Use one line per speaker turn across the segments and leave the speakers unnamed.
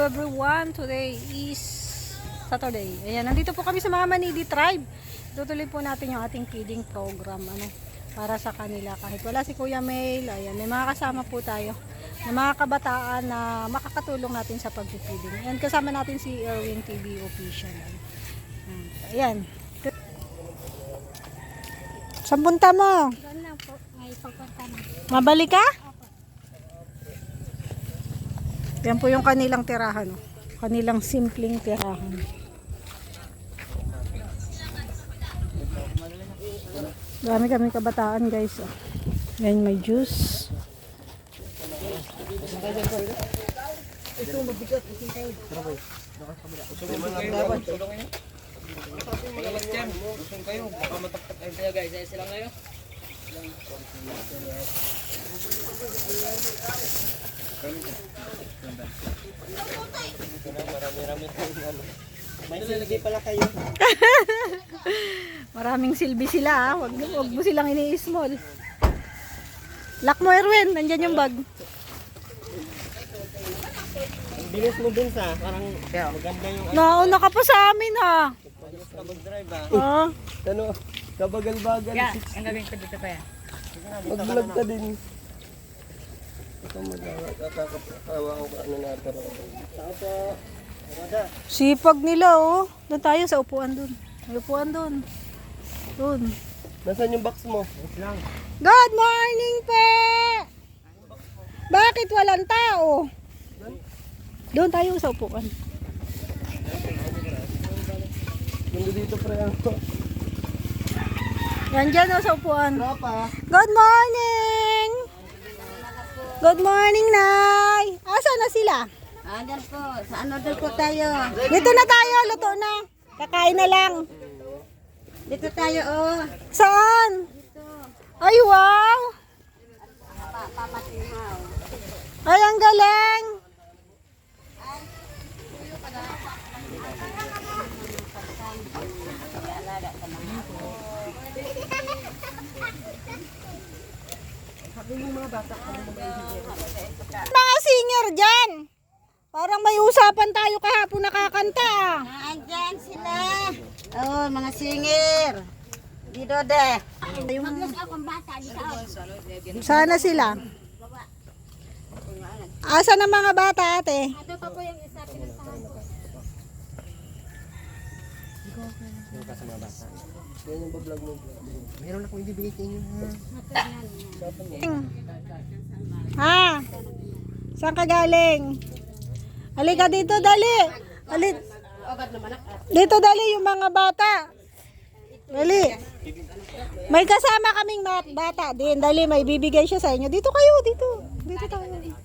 everyone. Today is Saturday. Ayan, nandito po kami sa mga Manidi tribe. Tutuloy po natin yung ating feeding program para sa kanila. Kahit wala si Kuya Mail, ayan, may mga kasama po tayo na mga kabataan na makakatulong natin sa pag-feeding. Ayan, kasama natin si Erwin TV Official. Ayan. Saan punta mo?
Doon lang po, may pagpunta na.
Mabalik ka? Yan po yung kanilang tirahan. Kanilang simpleng tirahan. Dami kami kabataan, guys. Yan, may juice.
Ito mabigat. Magalas dyan. Usong kayo. Baka mataktak kayo kaya guys. Ayos lang kayo. Marami-rami tayo. May silbi pala kayo.
Maraming silbi sila, ha. Wag mo silang ini-small. Lock mo, Erwin. Nandyan yung bag.
Bilis mo dun sa. Parang maganda yung
Nauna ka pa sa amin, ha.
kabag-drive
Ah.
Ano? Kabagal-bagal.
Ang gawin ko dito pa yan.
Mag-vlog ka din. Ito magkakawa ko ano natin. Saka
Sipag nila, oh. Doon tayo sa upuan doon. May upuan doon. Doon.
nasaan yung box mo? Lang.
Good morning, pe! Bakit walang tao? Doon tayo sa upuan.
Nandito dito pre ako.
Yan dyan, oh, sa upuan.
Tropa.
Good morning! Good morning, Nay! Asa na sila?
Andyan po, sa ano doon po tayo.
Dito na tayo, luto na. Kakain na lang.
Dito tayo, oh.
Saan? Ay, wow!
Papatinhaw.
Ay, ang galing! Mga singer dyan! Parang may usapan tayo kahapon nakakanta, ah.
Andyan sila. Oh, mga singer. Dito de. Maglas akong bata dito.
Sana sila. Asa ng mga bata, ate?
Ito pa po yung isa pinasahan ko.
Yan yung vlog mo. Meron akong ibibigay sa inyo ha.
Ha? Saan ka galing? Halika dito, dali. Dito, dali yung mga bata. Dali. May kasama kaming bata din. Dali, may bibigay siya sa inyo. Dito kayo, dito. Dito tayo.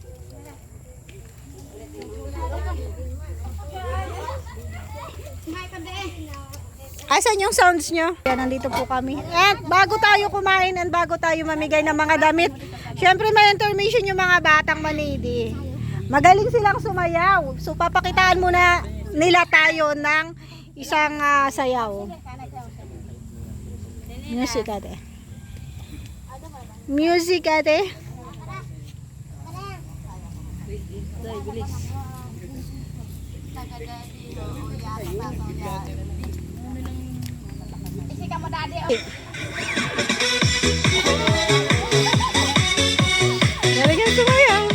Asan yung sounds nyo? Yan, nandito po kami. At bago tayo kumain and bago tayo mamigay ng mga damit, syempre may information yung mga batang Manidi. Magaling silang sumayaw. So papakitaan muna nila tayo ng isang sayaw. Music, ate. Music, ate.
Isi ka mo dadi, oh.
Galing ang sumayaw.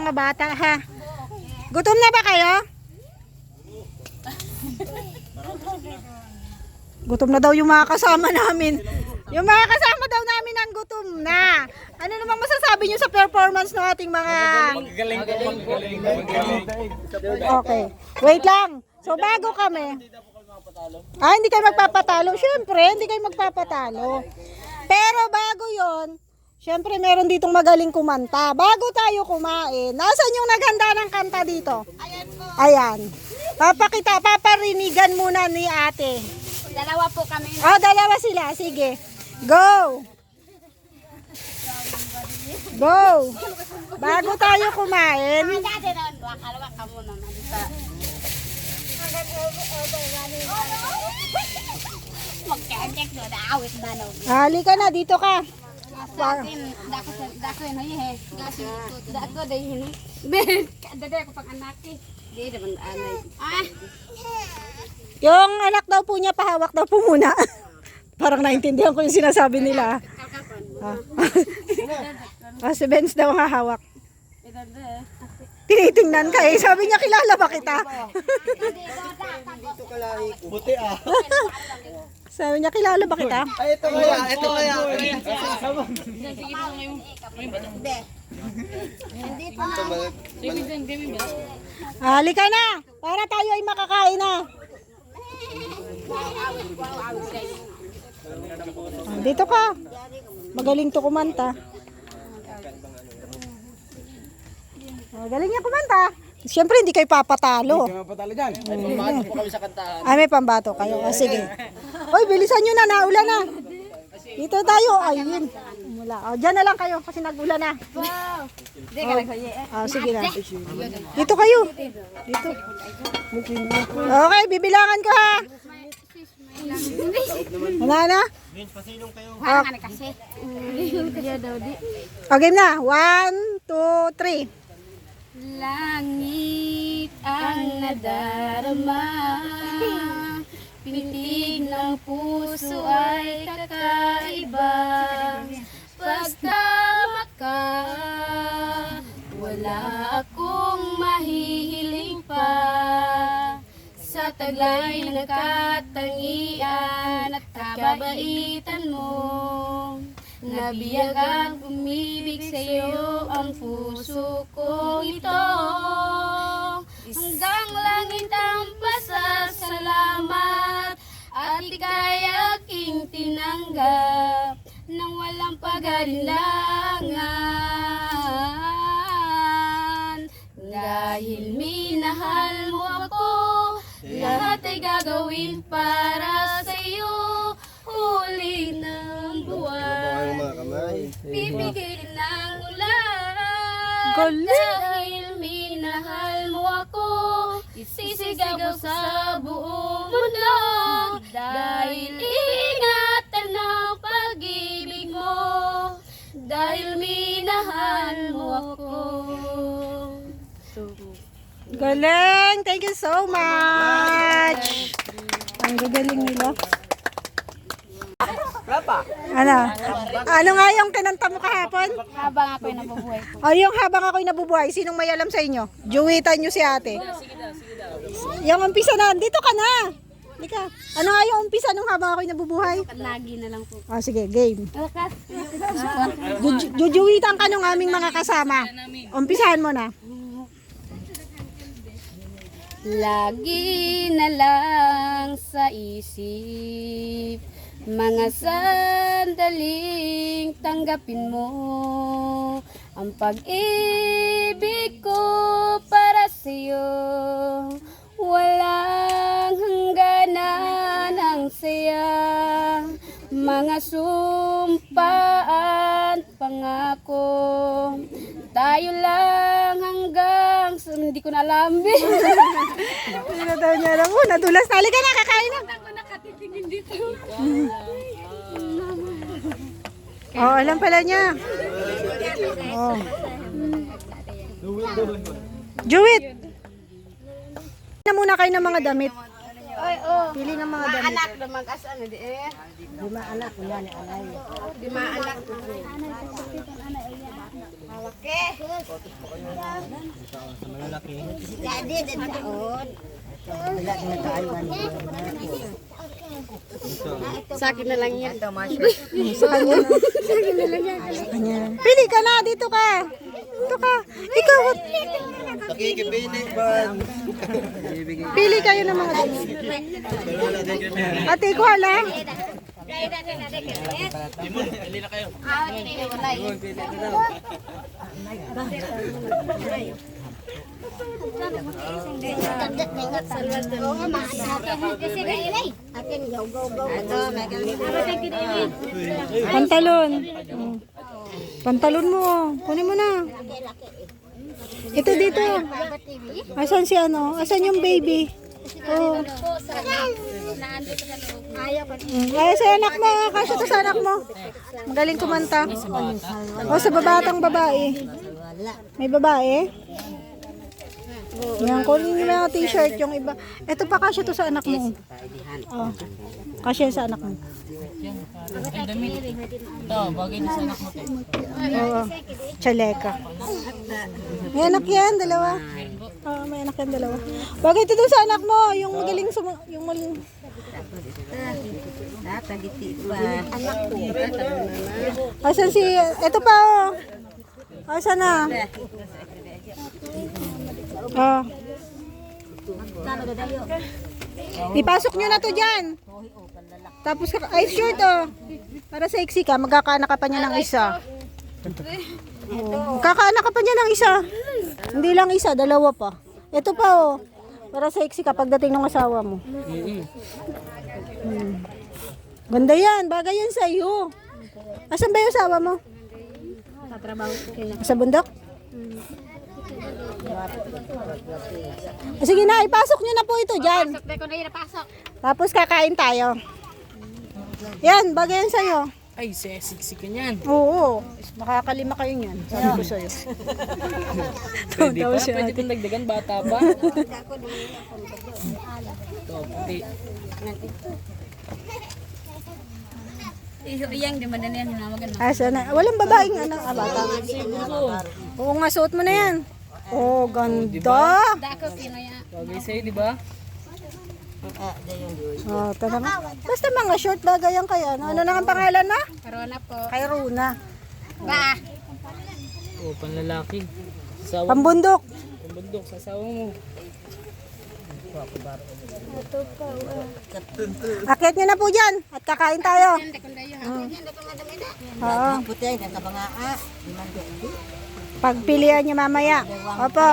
mga bata, ha? Gutom na ba kayo? Gutom na daw yung mga kasama namin. Yung mga kasama daw namin ang gutom na. Ano namang masasabi nyo sa performance ng ating mga...
Magaling ko, magaling.
Okay. Wait lang. So bago kami... hindi kayo magpapatalo. Siyempre, hindi kayo magpapatalo. Pero bago yon, siyempre meron ditong magaling kumanta. Bago tayo kumain, nasan yung naghanda ng kanta dito? Ayan. Paparinigan muna ni ate.
Dalawa po kami.
Dalawa sila. Sige. Go! Go! Bago tayo kumain,
Dati na, wakalawa ka muna. Magkakek doon, awit na no.
halika na, dito ka.
Dako yun, hoy, dako dahil yun. Dada ko pag anak eh. Di naman anay.
Yung anak daw po niya, pahawak daw po muna. Parang naintindihan ko yung sinasabi nila. Si Benz daw ang hahawak. Tinitingnan ka eh. Sabi niya, kilala ba kita?
Buti ah.
Sabi niya, kilala ba kita?
Ay, ito kaya, ito kaya.
Halika na, para tayo ay makakain na. Dito ka. Magaling to kumanta. Magaling niya kumanta. Siyempre, hindi kayo papatalo.
Kaya patalo dyan. Ay, pamato po kami sa kantahan.
May pambato kayo. Sige. Oy, bilisan nyo na. Naulan na. Dito tayo. Ayun. Mula. Diyan na lang kayo kasi nag-ulan na. Sige na. Dito kayo. Dito. Okay, bibilangan ko ha. Wala na?
Parang ano kasi.
Game na. 1, 2, 3.
Langit ang nadarama, pitig ng puso ay kakaiba. Pagtama ka, wala akong mahihiling pa. Sa taglay ng katangian at kabaitan mo, nabiyagang umibig sa'yo ang puso kong ito. Hanggang langit ang pasasalamat at ika'y aking tinanggap nang walang pag-alinlangan. Dahil minahal mo ako, lahat ay gagawin para sa'yo. Huli ng buwan, bibigyan ng ulan. Dahil minahal mo ako, isisigaw ko sa buong mundo. Dahil ingatan ng pag-ibig mo, dahil minahal mo ako.
Galing! Thank you so much! Ang gagaling nila. Ano nga yung kinanta mo kahapon?
Habang ako'y nabubuhay po.
Yung habang ako'y nabubuhay, sinong may alam sa inyo? Juwitan nyo si ate. Yung umpisa na, dito ka na. Dika. Ano nga yung umpisa nung habang ako'y nabubuhay?
Lagi na lang po.
Sige, game. Jujuwitan ka nung aming mga kasama. Umpisahan mo na.
Lagi na lang sa isip, mga sandaling tanggapin mo ang pag-ibig ko para sa'yo. Walang hangganan ang saya, mga sumpaan, pangako. Tayo lang hanggang hindi ko na alam.
Hindi na daw niya alam. Nadulas na. Halika na, kakain na.
Ako nakatitingin dito.
Alam pala niya. Juwit! Na muna kayo ng mga damit. Pili ng mga damit.
Anak na mag-asa na di eh.
Lima anak, wala ni alay.
Lima anak. Malaki. Dadi, taon. Sa akin na lang yan.
Sa kanya. Pili ka na, dito ka. Dito ka. Ikaw.
Pakikipili ba?
Pili kayo ng mga damit. Ate, kuha lang.
Pili na kayo.
Pantalon. Pantalon mo. Kunin mo na. Ito dito. Asan si ano? Asan yung baby? Oh. Ayaw sa anak mo. Kasya to sa anak mo. Magaling kumanta. O sa babatang babae. May babae? Yan, kunin mo yung t-shirt yung iba. Ito pa kasya to sa anak mo. Oh. Kasya sa anak mo.
Ay, damit. Ito, bagay na sa anak mo.
Oo. Chaleka. May anak yan, dalawa. Oo, may anak yan, dalawa. Bagay ito dun sa anak mo, yung magaling yung maling. Asan si, ito pa oh. Asan na? Oh. Ipasok nyo na to dyan. Tapos, ay short oh. Para sexy ka, magkakaanak ka pa niya ng isa. Magkakaanak ka pa niya ng isa. Hindi lang isa, dalawa pa. Ito pa oh. Para sexy ka pagdating ng asawa mo. Ganda yan, bagay yan sa iyo. Asan ba yung asawa mo? Sa bundok? Sige na, ipasok nyo na po ito dyan. Tapos kakain tayo. Yan, bagay yan sa'yo.
Ay, sexy ka niyan.
Oo, makakalima kayo niyan. Sabi ko sa'yo.
Pwede pa, pwede kong dagdagan, bata pa. Ito, puti.
Iyang di man yan hinawagan.
Asa na? Walang babaeng anak. Bata. Oo nga, suot mo na yan. Oh, ganda.
Dako kinaya.
Bagay sa'yo, di ba?
Oh, tara nga. Basta mga short bagay yan kaya. Ano na ang pangalan na?
Corona po.
Kay Runa.
Ba.
Oo, panlalaki. Sawa mo.
Pambundok.
Pambundok, sa sawa mo.
Akit nyo na po dyan. At kakain tayo. Oo. Pagpilian nyo mamaya. Opo.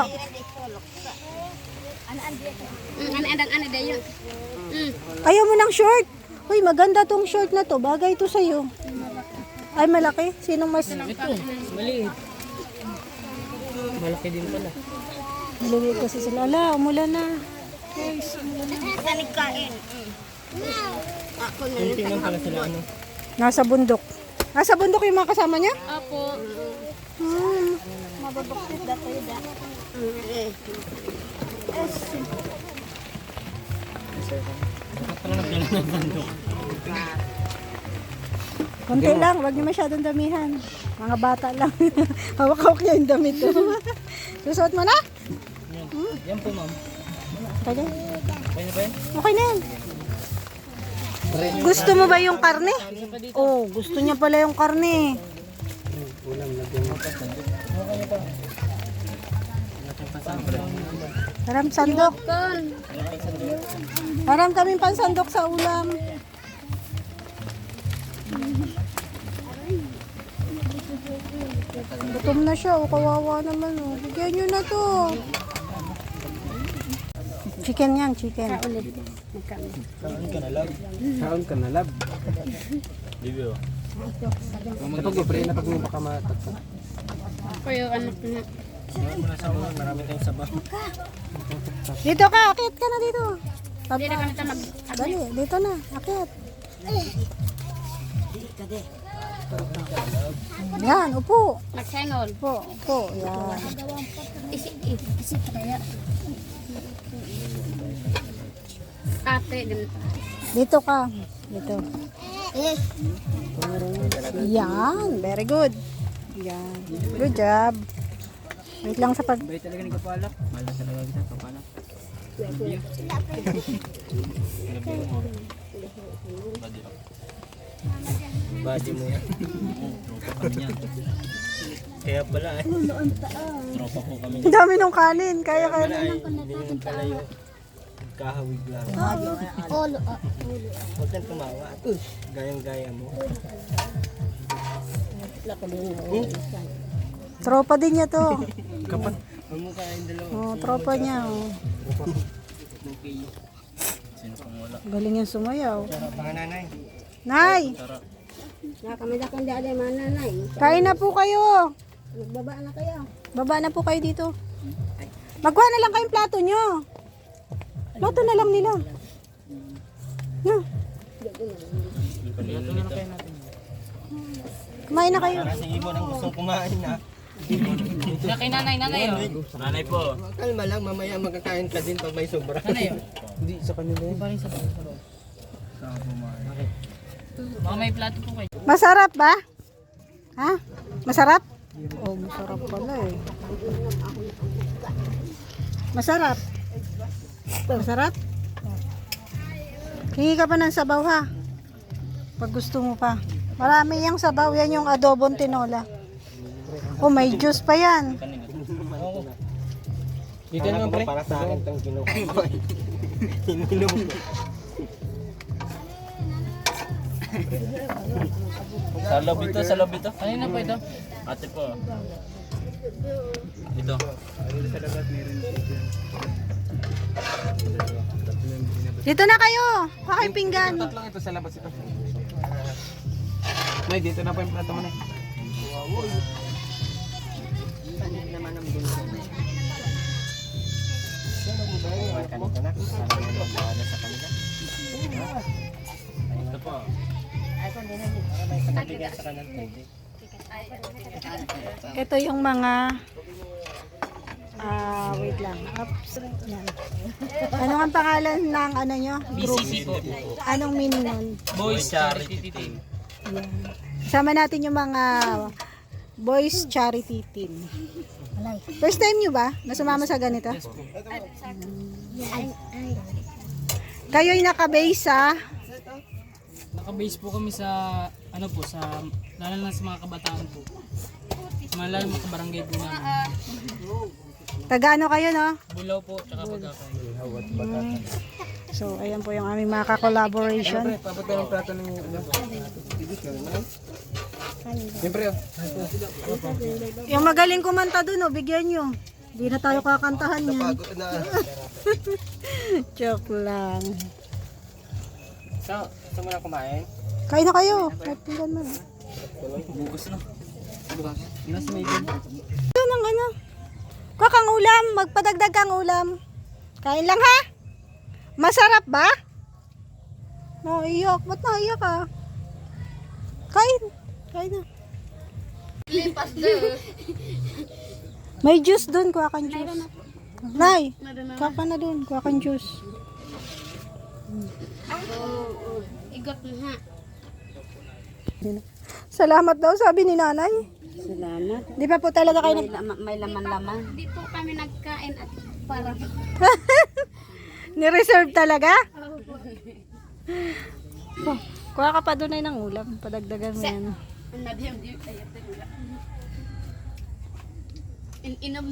Ano dayo?
Ayaw mo ng short. Uy, maganda tong short na to. Bagay to sa'yo. Ay, malaki. Sinong mas...
Ito, maliit. Malaki din pala.
Maliit kasi sila. Ala, umulan na.
Sanikain.
Tingnan pala sila ano.
Nasa bundok. Nasa bundok yung mga kasama niya?
Opo.
Mababakit dati da. Konti lang, wag niyo masyadong damihan. Mga bata lang. Hawak-hawak niya yung damit ko. Susuot mo na?
Yan. Yan po, ma'am.
Okay.
Pwede ba yan?
Okay na yan. Gusto mo ba yung karne? Oh, gusto niya pala yung karne. Haram sandok. Haram kaming pansandok sa ulam. Gutom na siya. O, kawawa naman. O. Bigyan nyo na to. Chicken yan, chicken.
Kaon ka na lab. Bibyo. Kapag mapre na pag mo baka matakot.
Ako yung anak na.
Marami tayong sabaw.
Dito ka, akit ka na dito.
Hindi na kami tamag.
Dali, dito na, akit. Yan, upo.
Magsengol.
Upo, upo. Yan.
Isip kaya. Ate, ganun.
Dito ka. Dito. Yan, very good. Yan. Good job. Wait lang sa pag...
Bay talaga ni Kapalak. Mahal na talaga kita, Kapalak.
Body mo yan.
Tropa kami niyan.
Kaya pala eh.
Tropa ko kami.
Ang dami ng kanin. Kaya kaya.
Pala eh. Hindi naman pala yung kahawig lang. Huwag kang tumawa. Gayang-gaya mo.
Tropa din niya to.
Kapat. Mamukha yung dalawa.
Oh, tropa niya. Oh.
Sino pang wala?
Galing yung sumayaw.
Mga nanay.
Nay,
Sarap.
Nakamida kang dali mananay.
kain na po kayo.
Nagbaba na kayo.
Baba na po kayo dito. Magkuha na lang kayong plato nyo. Plato na lang nila. No. Kumain na kayo.
Kasi ibon ang gustong kumain na.
Kay nanay oh. Nanay po.
Kalma lang, mamaya magkakain ka din pag may sobra.
Nanay oh.
Hindi, sa kanila yun.
Paring sa loob. Baka may plato po kayo.
Masarap ba? Ha? Masarap? Oh, masarap pala eh. Masarap. Masarap? Hingi ka pa ng sabaw ha. Pag gusto mo pa. Marami yung sabaw. Yan yung adobong tinola. Oh, may juice pa yan.
Dito naman pre.
Para sa akin itong kinukuha. Ininom mo.
Sa loob ito. Kanina po ito. Ate po. Ito.
Dito na kayo. Pakay pinggan.
Tatlong ito sa labas ito. May dito na po yung plato mo na.
Kanito na. Para may magbawa sa kanila.
Ito po.
Para may kanabigyan sa kanan.
Ito yung mga wait lang. Oops. Yan. Ano ang pangalan ng ano nyo? Group?
BCC po.
Anong meaning nun?
Boys Charity Team.
Yan. Kasama natin yung mga Boys Charity Team. First time nyo ba na sumama sa ganito? Kayo'y nakabase sa
Naka-base po kami sa ano po sa lalo na sa mga kabataan po. Malalo mga kabarangay po namin.
taga ano kayo, no?
Bulaw po tsaka Bagakay.
So, ayan po yung aming mga ka-collaboration.
Papunta ng plato ng ano. Siyempre oh.
Yung magaling kumanta dun, oh, bigyan nyo. Hindi na tayo kakantahan yan. Joke lang.
So, gusto mo na kumain?
Kain na kayo. Tingnan mo.
Bugos na.
Nasa may bin.
Ito ng ano. Kuha kang ulam. Magpadagdag kang ulam. Kain lang ha. Masarap ba? Iyak. Ba't naiyak ka? Kain. Kain na.
Lipas doon.
May juice dun. Kuha kang juice. Nay. Kuha ka na dun. Kuha kang juice.
Igot na ha.
Salamat daw sabi ni nanay.
Salamat.
Di ba po talaga kayo
May laman-laman. Hindi po kami nagkain at para
ni-reserve talaga? Oh, kuha ka pa doon ay ng ulam. Padagdagan mo yan.
Inom.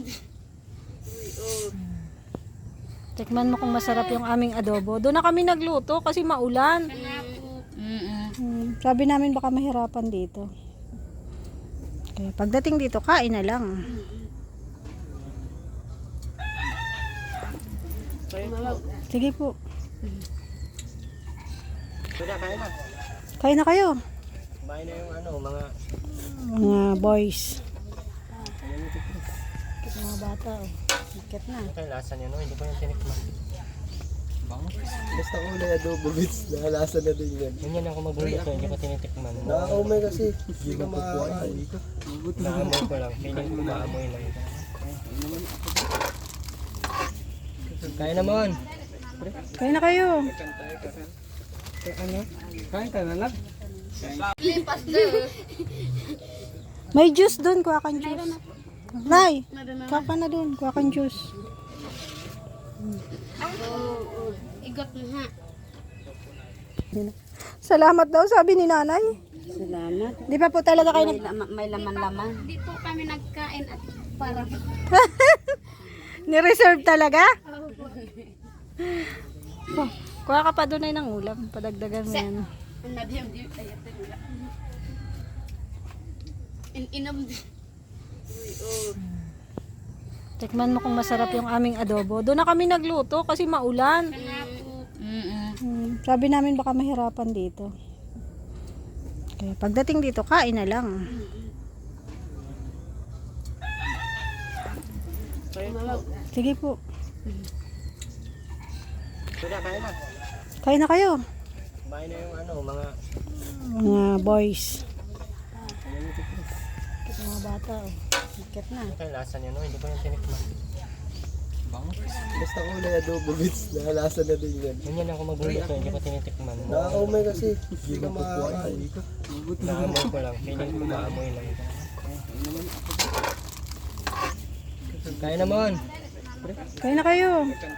Tikman mo kung masarap yung aming adobo. Doon na kami nagluto kasi maulan. Sabi namin baka mahirapan dito. Kaya pagdating dito, kain na lang. Sige po.
Kuya, kain na.
Kain na kayo.
Kumain na yung ano, mga...
Mga boys. Mga bata. Oh. Ikat na.
Kaya lasa niya no, hindi ko yung tinikman. Basta ko na adobo bits, nakalasa na din yan. Ganyan ako magluluto, hindi ko tinitikman. Nakakaumay kasi, hindi ka makakain. Naamoy ko lang, feeling ko maamoy lang. Kaya naman.
Kain na kayo.
Ano? Kain ka na lang.
Lipas doon.
May juice doon. Kuha kang juice. Nay, kuha ka na dun. Kuha kang juice.
Igot mo ha.
Salamat daw, sabi ni nanay.
Salamat.
Di pa po talaga kayo
May laman-laman. Hindi po kami nagkain at para.
ni-reserve talaga? Oh, kuha ka pa doon ay ng ulam. Padagdagan mo yan.
Inom.
Tikman mo kung masarap yung aming adobo. Doon na kami nagluto kasi maulan. Sabi namin baka mahirapan dito. Okay, pagdating dito, kain na lang. Sige po.
Kuya, kaya na.
Kain na kayo.
Kumain na yung mga
Mga boys. Mga bata. Bakit na?
Ito yung lasa niya, no? Hindi ko yung tinikman. Basta ko na adobo bits, nakalasa na din yan. Ganyan ako magluluto, hindi ko tinitikman. Nakakaumay kasi, hindi ka makakain. Naamoy ko lang, feeling ko maamoy lang. Kaya naman.
Kain na kayo.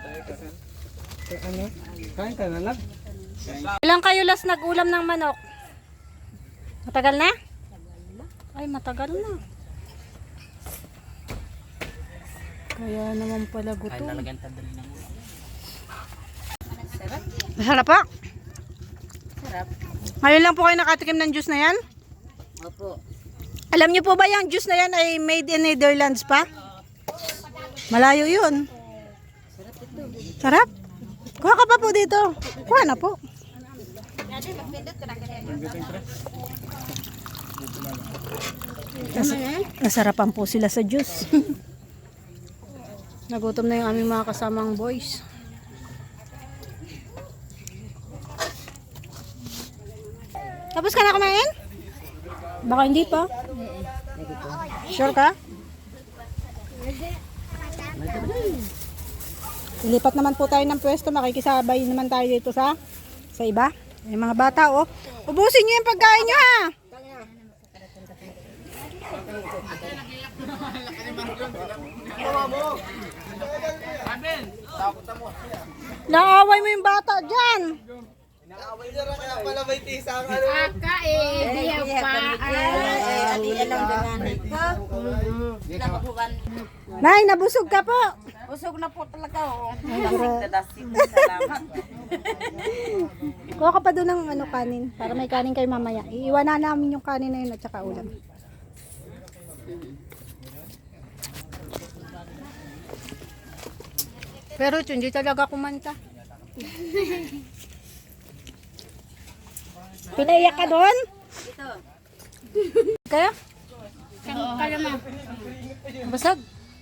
Kain ka na lang.
Ilang kayo last nag-ulam ng manok? Matagal na? Ay, matagal na. Kaya naman pala gutom. Masarap pa?
Sarap.
Ngayon lang po kayo nakatikim ng juice na yan?
Opo.
Alam niyo po ba yung juice na yan ay made in Netherlands pa? Malayo yun. Sarap? Kuha ka pa po dito. Kuha na po. Nasarapan po sila sa juice. Nagutom na yung aming mga kasamang boys. Tapos ka na kumain? Baka hindi pa. Sure ka? Ilipat naman po tayo ng pwesto. Makikisabay naman tayo dito sa iba. Yung mga bata, oh. Ubusin nyo yung pagkain nyo, ha? Naaway mo yung bata dyan.
Aka diya pa.
Nay, nabusog ka po.
Usog na po talaga oh.
Salamat. Kuha ka pa doon ng kanin. Para may kanin kayo mamaya. Iiwanan namin yung kanin na yun at saka ulam. Pero hindi talaga kumanta. Pinaiyak ka doon? Kaya?
Kaya mo.
Basag?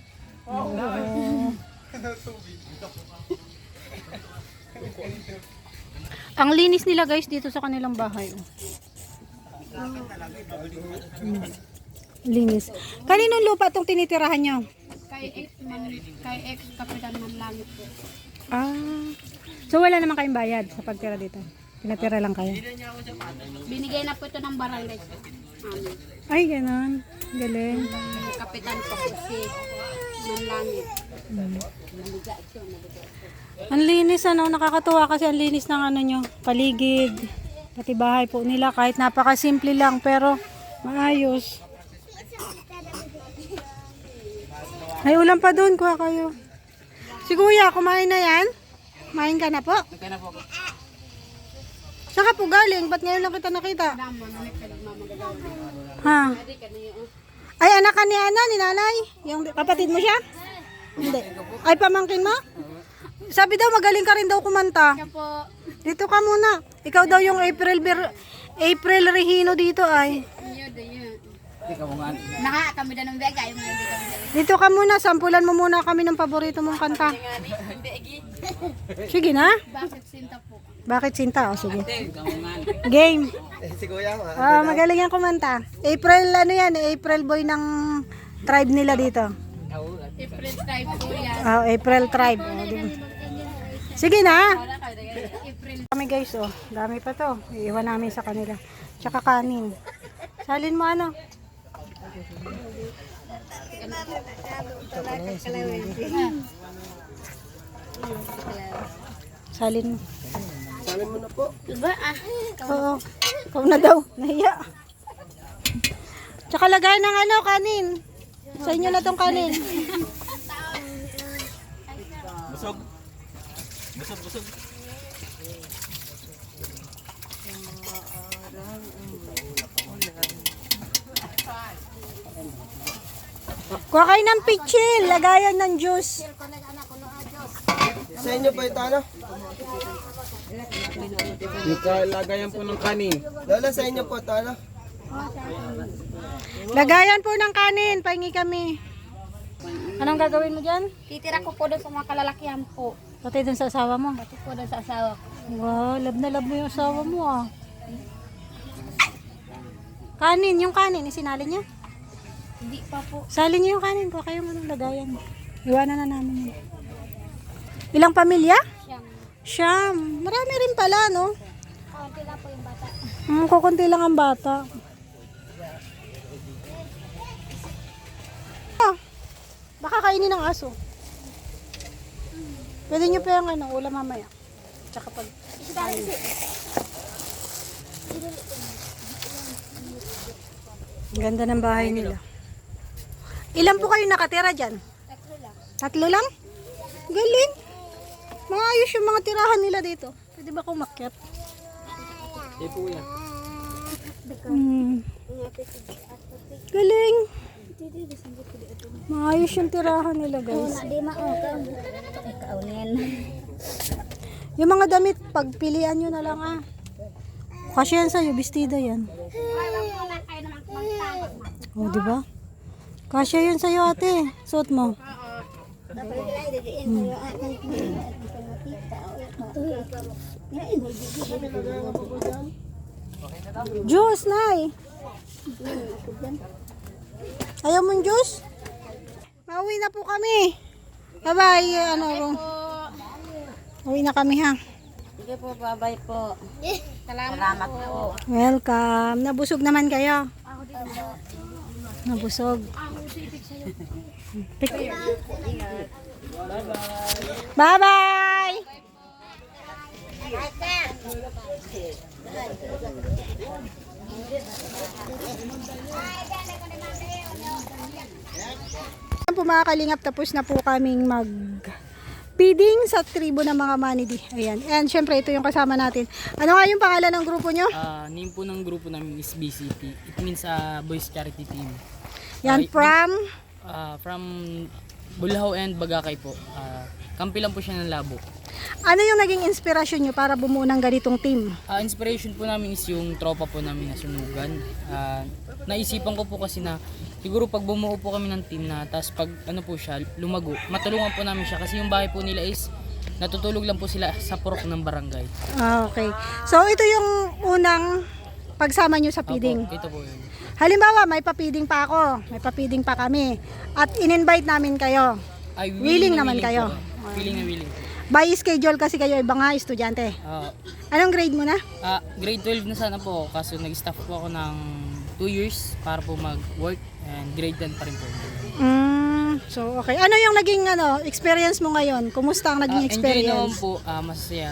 Ang linis nila guys dito sa kanilang bahay. Linis. Kaninong lupa itong tinitirahan nyo?
Kay ex kapitan ng langit po.
So wala naman kayong bayad sa pagtira dito? Pinatira lang kayo?
Binigay na po ito ng barangay.
Ay, ganon. Galing.
Kapitan po si ng langit.
Ang linis nakakatuwa kasi ang linis ng nyo, paligid, pati bahay po nila kahit napakasimple lang pero maayos. May ulam pa doon, kuha kayo. Si Kuya, kumain na yan? Kumain ka na po?
Kaya na po ako.
Saka po galing, ba't ngayon lang kita nakita? Ha? Ay, anak ka ni ni nanay? Yung kapatid mo siya? Hindi. Ay, pamangkin mo? Sabi daw, magaling ka rin daw kumanta.
Kaya po.
Dito ka muna. Ikaw daw yung April Regino dito ay.
Hindi ka mo nga.
Kami na ng bega. Yung hindi kami na.
Dito ka muna, sampulan mo muna kami ng paborito mong kanta. Sige na.
Bakit sinta po?
Bakit Sinta? O sige. Game.
Si Kuya,
Magaling yan kumanta. April, April boy ng tribe nila dito.
April type po yan.
April tribe. Sige na.
April.
Kami guys, dami pa to. Iiwan namin sa kanila. Tsaka kanin. Salin mo Salin mo.
Salin mo na po.
Diba
Oo. Ikaw na daw. Nahiya. Tsaka lagay ng ano, kanin. Sa inyo na tong kanin.
Busog. Busog, busog.
Kuha kayo ng pitchil. Lagayan ng juice.
Sa inyo po ito ano?
Yung kalagayan po ng kanin.
Lola, sa inyo po ito ano?
Lagayan po ng kanin. Pahingi kami. Anong gagawin mo dyan?
Titira ko po doon sa mga kalalakihan po.
Pati dun sa asawa mo.
Pati po doon sa asawa ko.
Wow, love na love mo yung asawa mo ah. Kanin, yung kanin, isinali niya.
Hindi pa po.
Salin niyo yung kanin ko, kayo manong lagayan. Iwanan na namin yun. Ilang pamilya?
Siyang.
Siyam. Marami rin pala, no?
Kaunti na po yung bata.
Kukunti lang ang bata. Ah, baka kainin ng aso. Pwede niyo pa yung ano, ulam mamaya. Tsaka pag... Ang ganda ng bahay nila. Ilan po kayo nakatira dyan?
Tatlo lang.
Tatlo lang? Galing. Maayos yung mga tirahan nila dito. Pwede ba akong makyat?
Eh po yan.
Galing. Maayos yung tirahan nila, guys.
Di maokam. Kaunin.
Yung mga damit, pagpilian nyo na lang ah. Kasi yan sa'yo, bestida yan. O, di ba? Kasya yun sa'yo, ate. Suot mo. Juice, Nay. Ayaw mong juice? Mauwi na po kami. Bye-bye. Uwi na kami, ha?
Sige po, bye-bye po. Salamat po.
Welcome. Nabusog naman kayo. Nabusog. Bye-bye. Ayan po mga kalingap, tapos na po kaming feeding sa tribo ng mga manidi. Ayan. And syempre ito yung kasama natin. Ano nga yung pangalan ng grupo nyo?
Name po ng grupo namin is BCT. It means Boys Charity Team.
Yan
From Bulhaw and Bagakay po. Kampi lang po siya ng Labo.
ano yung naging inspirasyon nyo para bumuo ng ganitong team?
Inspiration po namin is yung tropa po namin na sunugan. Naisipan ko po kasi na siguro pag bumuo po kami ng team na tapos pag ano po siya lumago, matulungan po namin siya kasi yung bahay po nila is natutulog lang po sila sa purok ng barangay.
Okay. So ito yung unang pagsama nyo sa feeding.
Opo, ito po yun.
Halimbawa, may papiding pa ako, may papiding pa kami, at in-invite namin kayo.
Ay,
Willing naman kayo.
Willing na willing.
By schedule kasi kayo iba nga estudyante. Anong grade mo na?
Grade 12 na sana po kaso nag-staff po ako ng 2 years para po mag-work and grade 10 pa rin po.
So okay. Ano yung naging experience mo ngayon? Kumusta ang naging
Enjoy naman
experience?
po, masaya.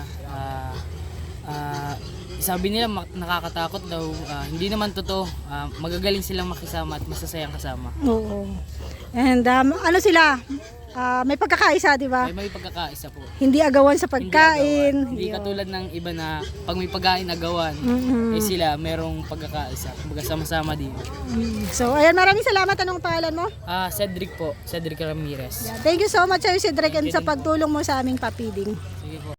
Sabi nila nakakatakot daw, hindi naman totoo. Magagaling silang makisama at masasayang kasama.
Oo. And ano sila? May pagkakaisa, di ba?
May pagkakaisa po.
Hindi agawan sa pagkain.
Hindi katulad ng iba na pag may pagkain agawan, eh sila merong pagkakaisa. Kumbaga sama-sama din.
So, ayan, maraming salamat. Anong pangalan mo?
Cedric po, Cedric Ramirez.
Thank you so much sa'yo, Cedric, and sa pagtulong mo sa aming papiding.
Sige po.